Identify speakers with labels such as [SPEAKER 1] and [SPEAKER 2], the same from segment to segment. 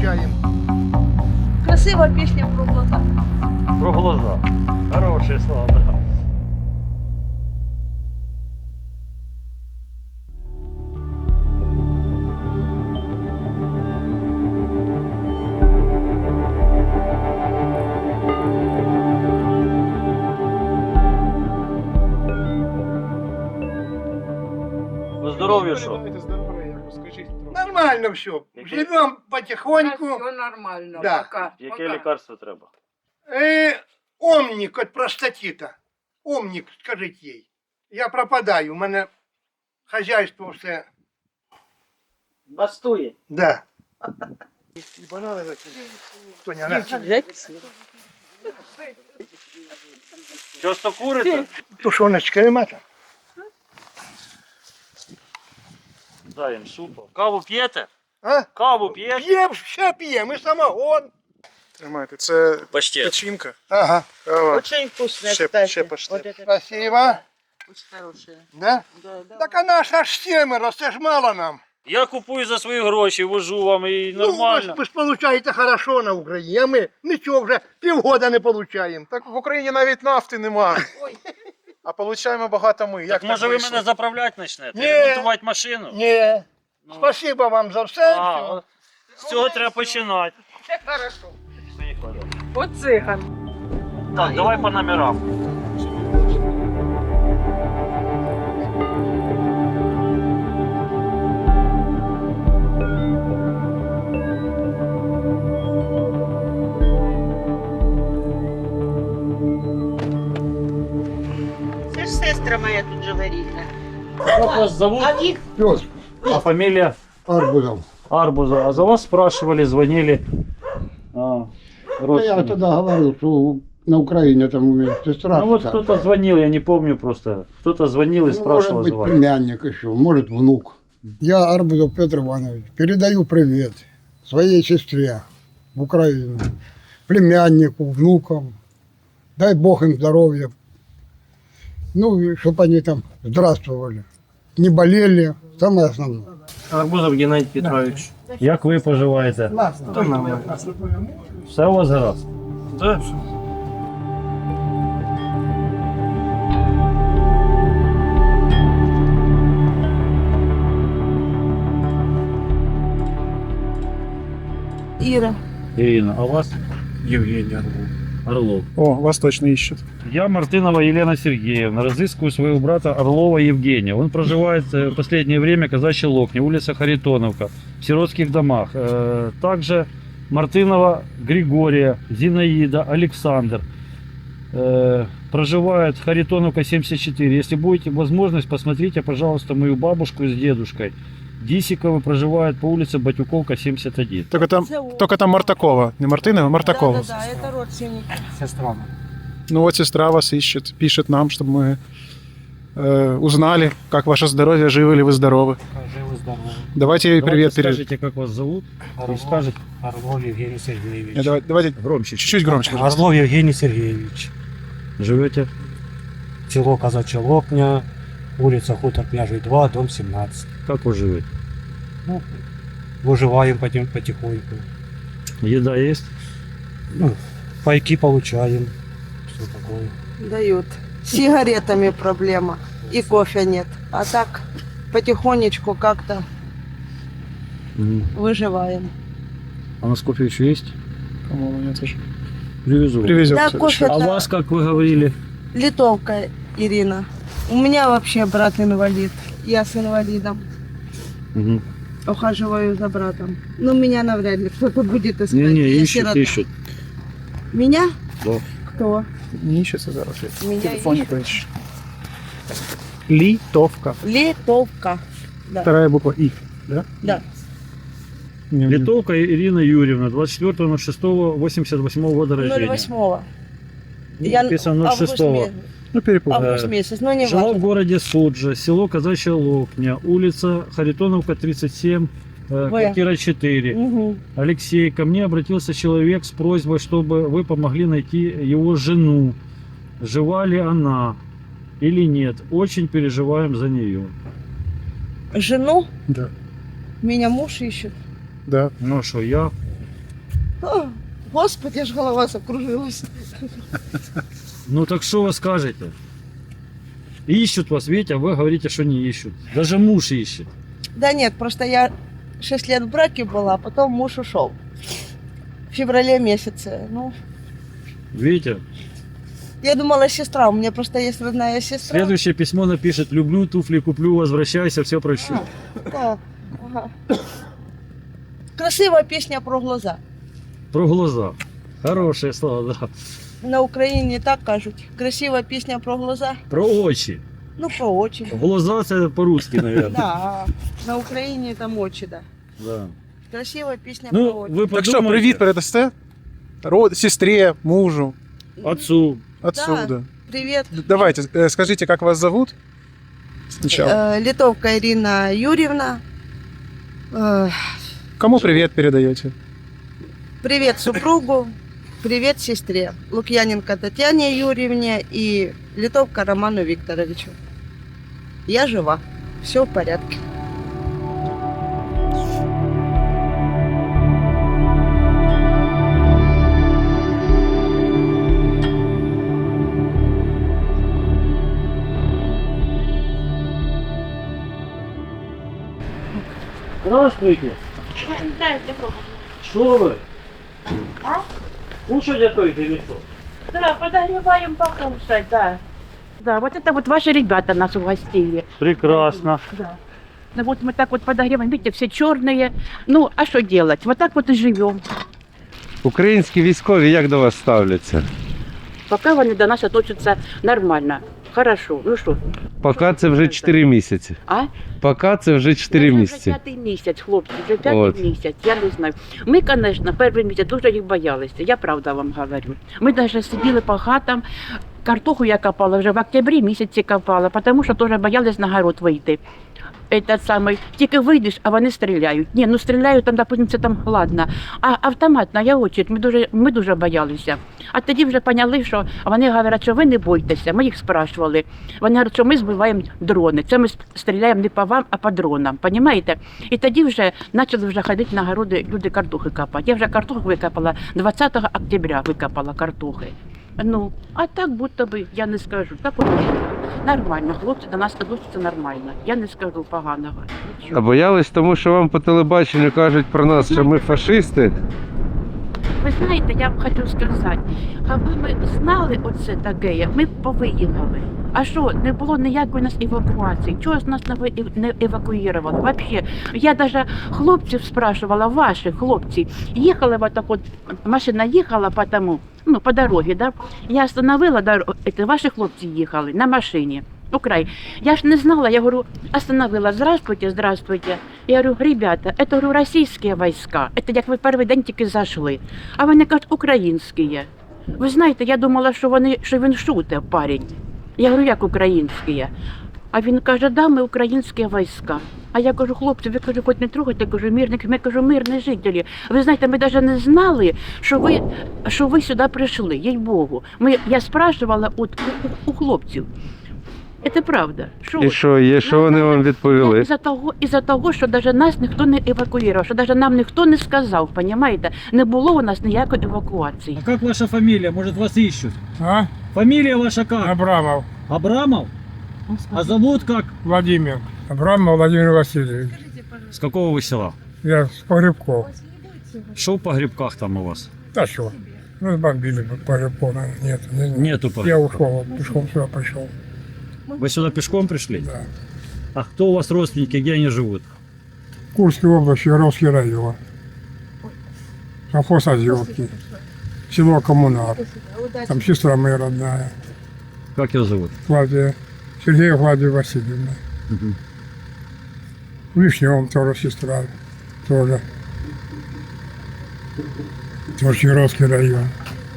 [SPEAKER 1] получаем.
[SPEAKER 2] Красива пісня про глаза.
[SPEAKER 3] Про глаза. Хорошие слова, да. По здоров'ю що?
[SPEAKER 1] Нормально все.
[SPEAKER 3] Який?
[SPEAKER 1] Живем потихоньку.
[SPEAKER 2] Все нормально,
[SPEAKER 1] Да.
[SPEAKER 2] пока.
[SPEAKER 3] Яке лікарство треба?
[SPEAKER 1] Омник от простатита. Омник, скажіть їй. Я пропадаю, у мене хазяйство все.
[SPEAKER 4] Бастує.
[SPEAKER 1] Да. І банани закинь. Тоня, на.
[SPEAKER 3] Часто курите?
[SPEAKER 1] Тушоночка нема там?
[SPEAKER 3] Дай їм супу. Каву п'єте?
[SPEAKER 1] А?
[SPEAKER 3] Каву п'єте?
[SPEAKER 1] П'ємо, ще п'ємо, і самогон.
[SPEAKER 5] Тримайте, це
[SPEAKER 3] Паштет.
[SPEAKER 5] печінка.
[SPEAKER 1] Ага.
[SPEAKER 5] Кава.
[SPEAKER 4] Очень вкусная,
[SPEAKER 5] Ще
[SPEAKER 4] кстати.
[SPEAKER 5] паштет.
[SPEAKER 4] Вот это
[SPEAKER 1] Спасибо.
[SPEAKER 4] очень хорошая.
[SPEAKER 1] Да?
[SPEAKER 4] Да, да.
[SPEAKER 1] Так а нас аж семеро, це ж мало нам.
[SPEAKER 3] Я купую за свої гроші, вожу вам і нормально.
[SPEAKER 1] Ну, ви ж получаєте хорошо на Україні, а ми нічого вже півгода не получаємо.
[SPEAKER 5] Так в Україні навіть нафти нема. А получаємо багато ми. Як
[SPEAKER 3] Так може ви
[SPEAKER 5] вийшло?
[SPEAKER 3] мене заправляти почнете?
[SPEAKER 1] Ні.
[SPEAKER 3] Ремонтувати машину?
[SPEAKER 1] Ні.
[SPEAKER 3] Ну.
[SPEAKER 1] Спасибо вам за все.
[SPEAKER 3] А,
[SPEAKER 1] все.
[SPEAKER 3] от з цього треба починати.
[SPEAKER 1] Хорошо.
[SPEAKER 3] Поїхали.
[SPEAKER 2] От циган.
[SPEAKER 3] Так, давай по номерам.
[SPEAKER 4] Це ж сестра моя тут живе рідна.
[SPEAKER 3] Как вас зовут?
[SPEAKER 4] А їх
[SPEAKER 6] Пес
[SPEAKER 3] А фамилия?
[SPEAKER 6] Арбузов.
[SPEAKER 3] Арбуза. А за вас спрашивали, звонили.
[SPEAKER 6] Я
[SPEAKER 3] Родственники.
[SPEAKER 6] тогда говорил, что на Украине там у меня сестра.
[SPEAKER 3] Ну вот
[SPEAKER 6] старшая.
[SPEAKER 3] кто-то звонил, я не помню просто. Кто-то звонил и
[SPEAKER 6] Ну,
[SPEAKER 3] спрашивал
[SPEAKER 6] может
[SPEAKER 3] за
[SPEAKER 6] быть,
[SPEAKER 3] вас.
[SPEAKER 6] племянник еще, может, внук. Я Арбузов Петр Иванович. Передаю привет своей сестре в Украину, племяннику, внукам. Дай Бог им здоровья. Ну, и чтобы они там здравствовали. Не болели, самое основное.
[SPEAKER 7] Арбузов Геннадій Петрович.
[SPEAKER 3] Як ви поживаєте?
[SPEAKER 7] Та нормально.
[SPEAKER 3] Все у вас гаразд?
[SPEAKER 7] Да,
[SPEAKER 2] Іра.
[SPEAKER 3] Ирина, а вас?
[SPEAKER 7] Євгеній Орлов.
[SPEAKER 3] Орлов.
[SPEAKER 5] О, вас точно ищут.
[SPEAKER 3] Я Мартынова Елена Сергеевна, разыскиваю своего брата Орлова Евгения. Он проживает в последнее время в Казачьей Локне, улица Харитоновка, в сиротских домах. Также Мартынова Григория, Зинаида, Александр. Проживает Харитоновка 74. Если будете возможность, посмотрите, пожалуйста, мою бабушку с дедушкой. Дисиковы проживают по улице Батюковка 71.
[SPEAKER 5] Только там Мартакова. Не Мартынова, а Мартакова.
[SPEAKER 2] Да, это родственники.
[SPEAKER 7] Сестра.
[SPEAKER 5] Ну вот сестра вас ищет, пишет нам, чтобы мы узнали, как ваше здоровье, живы ли вы здоровы.
[SPEAKER 7] Живы, здоровы.
[SPEAKER 5] Давайте ей привет передадим.
[SPEAKER 3] Скажите, как вас зовут? И скажете
[SPEAKER 7] Орлов Евгений Сергеевич.
[SPEAKER 5] Давайте
[SPEAKER 3] громче.
[SPEAKER 5] чуть-чуть громче. пожалуйста.
[SPEAKER 7] Орлов Евгений Сергеевич.
[SPEAKER 3] Живете?
[SPEAKER 7] Село Казачья Локня, улица Хутор Княжий 2, дом 17.
[SPEAKER 3] Как вы живете?
[SPEAKER 7] Ну, выживаем потихоньку.
[SPEAKER 3] Еда есть?
[SPEAKER 7] Ну, пайки получаем. Все такое.
[SPEAKER 2] Дают. С сигаретами проблема. И кофе нет. А так потихонечку как-то выживаем.
[SPEAKER 3] А у нас кофе еще есть?
[SPEAKER 5] По-моему, нет уже.
[SPEAKER 3] Привезу.
[SPEAKER 5] Привезем.
[SPEAKER 2] Да,
[SPEAKER 5] в
[SPEAKER 2] кофе.
[SPEAKER 5] следующий.
[SPEAKER 3] А вас, как вы говорили?
[SPEAKER 2] Литовка Ирина. У меня вообще брат инвалид. Я с инвалидом.
[SPEAKER 3] Угу.
[SPEAKER 2] Ухаживаю за братом. Ну, меня навряд ли кто-то будет искать.
[SPEAKER 3] Не-не,
[SPEAKER 2] Я
[SPEAKER 3] ищут,
[SPEAKER 2] сирота.
[SPEAKER 3] ищут.
[SPEAKER 2] Меня?
[SPEAKER 3] Да.
[SPEAKER 2] Кто?
[SPEAKER 5] Не ищется зараз. Я
[SPEAKER 2] Меня
[SPEAKER 5] телефоне
[SPEAKER 2] ищут.
[SPEAKER 5] поищу. Литовка.
[SPEAKER 2] Литовка. Да.
[SPEAKER 5] Вторая буква И. Да?
[SPEAKER 2] Да.
[SPEAKER 3] Литовка Ирина Юрьевна, 24.06.88 года рождения.
[SPEAKER 2] 08-го.
[SPEAKER 3] Ну,
[SPEAKER 2] Я
[SPEAKER 3] написано
[SPEAKER 2] август
[SPEAKER 3] 06-го.
[SPEAKER 2] месяц.
[SPEAKER 5] Ну, перепутал.
[SPEAKER 2] Август месяц, но не
[SPEAKER 3] Жила в
[SPEAKER 2] важно.
[SPEAKER 3] городе Суджа, село Казачья Локня, улица Харитоновка, 37, квартира 4.
[SPEAKER 2] Угу.
[SPEAKER 3] Алексей, ко мне обратился человек с просьбой, чтобы вы помогли найти его жену. Жива ли она или нет? Очень переживаем за нее.
[SPEAKER 2] Жену?
[SPEAKER 5] Да.
[SPEAKER 2] Меня муж ищет.
[SPEAKER 5] Да.
[SPEAKER 3] Ну что, я
[SPEAKER 2] О, Господи, аж голова закружилась.
[SPEAKER 3] Ну так что вы скажете? Ищут вас, видите, а вы говорите, что не ищут. Даже муж ищет.
[SPEAKER 2] Да нет, просто я 6 лет в браке была, а потом муж ушел. В феврале месяце. Ну,
[SPEAKER 3] Видите?
[SPEAKER 2] я думала, сестра. У меня просто есть родная сестра.
[SPEAKER 3] Следующее письмо напишет: люблю, туфли куплю, возвращайся, все прощу.
[SPEAKER 2] Да, ага. Красивая песня про глаза.
[SPEAKER 3] Про глаза. Хорошие слова, да.
[SPEAKER 2] На Україні так кажуть. Красива пісня про глаза.
[SPEAKER 3] Про очі.
[SPEAKER 2] Ну, про очі.
[SPEAKER 3] Глаза це по-русски, наверное.
[SPEAKER 2] Да, на Україні там очі, да.
[SPEAKER 3] Да.
[SPEAKER 2] Красива пісня про
[SPEAKER 3] Ну,
[SPEAKER 2] очі.
[SPEAKER 3] ви
[SPEAKER 5] Так что,
[SPEAKER 3] подумайте.
[SPEAKER 5] привет передасте? Сестре, мужу,
[SPEAKER 3] Отцу.
[SPEAKER 5] отцу,
[SPEAKER 2] Да.
[SPEAKER 5] да.
[SPEAKER 2] Привіт.
[SPEAKER 5] Давайте, скажите, как вас зовут? Сначала.
[SPEAKER 2] Литовка Ірина Юрівна.
[SPEAKER 5] Кому привет передаете?
[SPEAKER 2] Привет супругу. Привет сестре. Лукьяненко Татьяне Юрьевне и Литовка Роману Викторовичу. Я жива. Все в порядке.
[SPEAKER 3] Здравствуйте. Что вы? Кушать готовите или что?
[SPEAKER 4] Да, подогреваем покушать, да. Да, вот это вот ваши ребята нас угостили.
[SPEAKER 3] Прекрасно.
[SPEAKER 4] Да. Ну вот мы так вот подогреваем, видите, все черные. Ну, а что делать? Вот так вот и живем.
[SPEAKER 8] Українські військові як до вас ставляться?
[SPEAKER 4] Пока вони до нас относятся нормально. Хорошо. Ну что?
[SPEAKER 8] Поки це вже 4 місяці.
[SPEAKER 4] А?
[SPEAKER 8] Поки це вже 4
[SPEAKER 4] Вже
[SPEAKER 8] місяці.
[SPEAKER 4] п'ятий місяць, хлопці, вже п'ятий
[SPEAKER 8] От.
[SPEAKER 4] місяць, я не знаю. Ми, звісно, перший місяць дуже їх боялися, я правда вам говорю. Ми навіть сиділи по хатам, картоху я копала вже в октябрі місяці копала, тому що теж боялись на город вийти. Этот самий, тільки вийдеш, а вони стріляють. Ні, ну стріляють, там, допустим, це там ладно. А автоматна очередь, ми дуже боялися. А тоді вже поняли, що вони говорять, що ви не бойтеся. Ми їх спрашували. Вони говорять, що ми збиваємо дрони. Це ми стріляємо не по вам, а по дронам. Понімаєте? І тоді вже почали вже ходити на городи, люди картохи копати. Я вже картоху викопала 20 октября, викопала картохи. Ну, а так будто би, я не скажу, так от нормально, хлопці до нас відносяться нормально, я не скажу поганого.
[SPEAKER 8] А
[SPEAKER 4] Нічого.
[SPEAKER 8] боялись, тому що вам по телебаченню кажуть про нас, що ми фашисти.
[SPEAKER 4] Ви знаєте, я вам хочу сказати, аби ми знали оце таке, ми б повиїхали. А що, не було ніякої нас евакуації? Чого ж нас не евакуювали? Вообще, я навіть хлопців спрашивала, ваших хлопців, їхали вот так от, машина їхала по тому, ну, по дорозі, да? Я остановила дорогу, ваші хлопці їхали на машині. Украй. Я ж не знала, я говорю, остановила, здравствуйте, здравствуйте. Я говорю, ребята, это, говорю, российские войска, это як ви перший день тільки зайшли. А вони кажуть, українські. Ви знаєте, я думала, що він шутить, парень. Я говорю, як українські? А він каже, да, ми українські війська. А я кажу, хлопці, ви кажу, хоч не трогайте, кажу, мирних, ми кажу, мирні жителі. Ви знаєте, ми навіть не знали, що ви сюди прийшли, їй-богу. Я спрашивала у хлопців. Це правда.
[SPEAKER 8] І що є, що вони вам відповіли?
[SPEAKER 4] Із-за того, що навіть нас ніхто не евакуював, що навіть нам ніхто не сказав, розумієте? Не було у нас ніякої евакуації.
[SPEAKER 3] А как ваша фамилия? Может, вас ищут?
[SPEAKER 6] А?
[SPEAKER 3] Фамилия ваша как?
[SPEAKER 6] Абрамов
[SPEAKER 3] Абрамов? А зовут как?
[SPEAKER 6] Владимир. Абрамов Владимир Васильевич.
[SPEAKER 3] С какого вы села?
[SPEAKER 6] Я с Погребков.
[SPEAKER 3] Что в погребках там у вас?
[SPEAKER 6] Да что? Разбомбили Погребков, наверное. Нет.
[SPEAKER 3] Нету
[SPEAKER 6] Я
[SPEAKER 3] погребков.
[SPEAKER 6] ушел, пешком сюда пошел.
[SPEAKER 3] Вы сюда пешком пришли?
[SPEAKER 6] Да.
[SPEAKER 3] А кто у вас родственники, где они живут?
[SPEAKER 6] Курской области, Яровский район. Совхоз Озерки. Село Коммунар. Там сестра моя родная.
[SPEAKER 3] Как ее зовут?
[SPEAKER 6] Клавдия. Сергея Клавдия Васильевна.
[SPEAKER 3] Мгм.
[SPEAKER 6] В Вишневом тоже сестра. Тоже. Тоже Яровский район.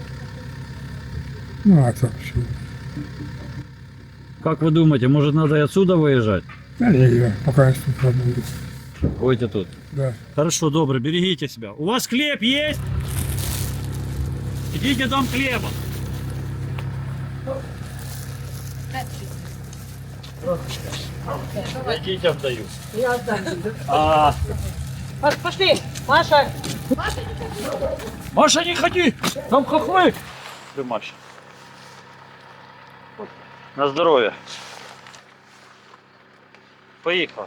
[SPEAKER 6] Ну, а так все.
[SPEAKER 3] Как вы думаете, может, надо и отсюда выезжать?
[SPEAKER 6] Да не, я пока я тут работаю.
[SPEAKER 3] Будете тут.
[SPEAKER 6] Да.
[SPEAKER 3] Хорошо, добро, берегите себя. У вас хлеб есть? Идите дом хлеба. Детям даю.
[SPEAKER 4] Я отдам.
[SPEAKER 3] А
[SPEAKER 4] Пошли.
[SPEAKER 2] Маша,
[SPEAKER 3] Маша, не ходи! Там хохлы! Ты, Маша. На здоровье. Поехал.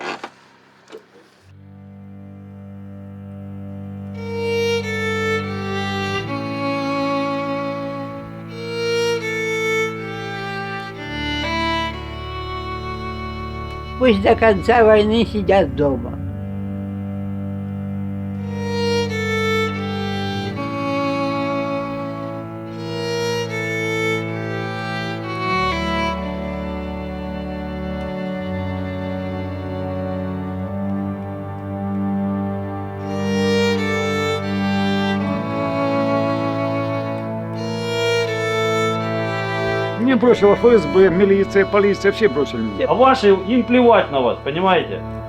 [SPEAKER 9] Пусть до конца войны сидят дома.
[SPEAKER 10] Мне бросила ФСБ, милиция, полиция, все бросили меня.
[SPEAKER 3] А ваши, им плевать на вас, понимаете?